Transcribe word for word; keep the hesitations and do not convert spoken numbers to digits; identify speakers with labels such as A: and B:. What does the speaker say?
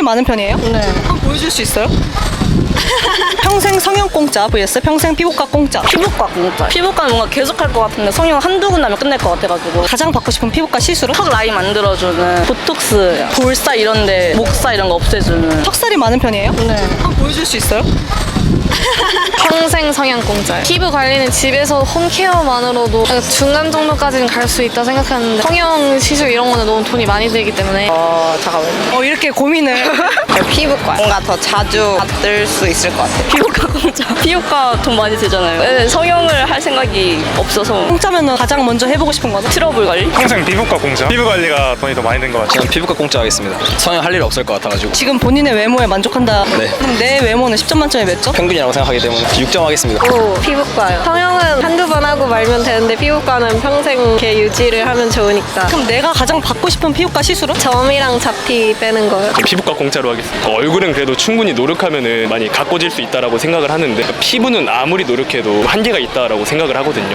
A: 많은 편이에요?
B: 네.
A: 한번 보여줄 수 있어요? 평생 성형 공짜 vs 평생 피부과 공짜.
B: 피부과 공짜. 피부과는 뭔가 계속 할 것 같은데 성형 한두 군 나면 끝낼 것 같아가지고.
A: 가장 받고 싶은 피부과 시술은?
B: 턱 라인 만들어주는 보톡스, 볼살 이런데 목살 이런 거 없애주는.
A: 턱살이 많은 편이에요?
B: 네.
A: 한번 보여줄 수 있어요?
C: 평생 성형 공짜예요. 피부 관리는 집에서 홈케어만으로도 중간 정도까지는 갈 수 있다 생각하는데 성형 시술 이런 거는 너무 돈이 많이 들기 때문에
B: 어 잠깐만요.
A: 어 이렇게 고민을.
D: 피부과 뭔가 더 자주 받을 수 있을 것 같아요.
B: 피부과 공짜. 피부과 돈 많이 들잖아요. 네, 성형을 할 생각이 없어서.
A: 공짜면 가장 먼저 해보고 싶은 거는?
B: 트러블 관리?
E: 평생 피부과 공짜. 피부 관리가 돈이 더 많이 든 것 같아요.
F: 저는 피부과 공짜 하겠습니다. 성형 할 일 없을 것 같아가지고
A: 지금 본인의 외모에 만족한다.
F: 네.
A: 그럼 내 외모는 십 점 만점에 몇 점?
F: 평균이라고 생각하기 때문에 육 점 하겠습니다.
G: 오, 피부과요. 성형은 한두 번 하고 말면 되는데 피부과는 평생 이렇게 유지를 하면 좋으니까.
A: 그럼 내가 가장 받고 싶은 피부과 시술은?
G: 점이랑 잡티 빼는 거요.
E: 피부과 공짜로 하겠습니다. 얼굴은 그래도 충분히 노력하면은 많이 가꿔질 수 있다라고 생각을 하는데 피부는 아무리 노력해도 한계가 있다라고 생각을 하거든요.